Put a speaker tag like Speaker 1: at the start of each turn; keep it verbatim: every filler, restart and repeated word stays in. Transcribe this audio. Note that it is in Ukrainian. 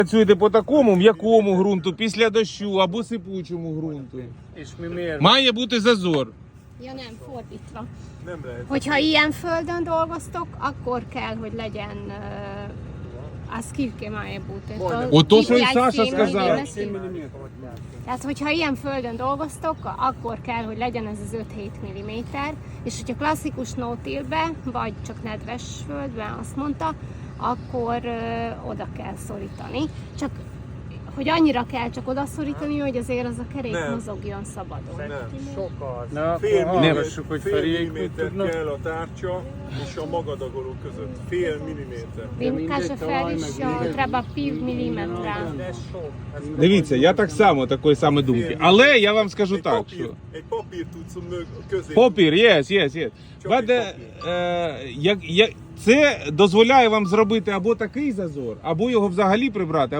Speaker 1: Працюєте по такому м'якому ґрунту, після дощу або сипучому ґрунту. Має бути зазор.
Speaker 2: Ja nem, fordítva.
Speaker 3: Nem lehet.
Speaker 2: Hogyha ilyen földön dolgoztok, akkor kell, hogy legyen uh, a skilke mає бути.
Speaker 1: От то, що і Саша сказав.
Speaker 2: Tehát, hogyha ilyen földön dolgoztok, akkor kell, hogy legyen ez az öt-hét milliméter, és hogyha klasszikus no-tillbe, vagy csak nedves földben, azt mondta, akkor uh, oda kell szorítani. Csak hogy annyira kell csak oda szorítani, hogy azért az a kerék
Speaker 3: Nem.
Speaker 2: mozogjon szabadon.
Speaker 3: Nem. Fél milliméter, fél milliméter kell a tárcsa és a magadagoló között. Fél milliméter.
Speaker 2: Він каже, Фері, що треба пів міліметра.
Speaker 1: Дивіться, я так само такої саме думки. Але я вам скажу
Speaker 3: Egy
Speaker 1: так,
Speaker 3: papír,
Speaker 1: що
Speaker 3: egy papír tudsz mög, közé.
Speaker 1: попір, yes, yes, yes. But, е, е, як, як, це дозволяє вам зробити або такий зазор, або його взагалі прибрати.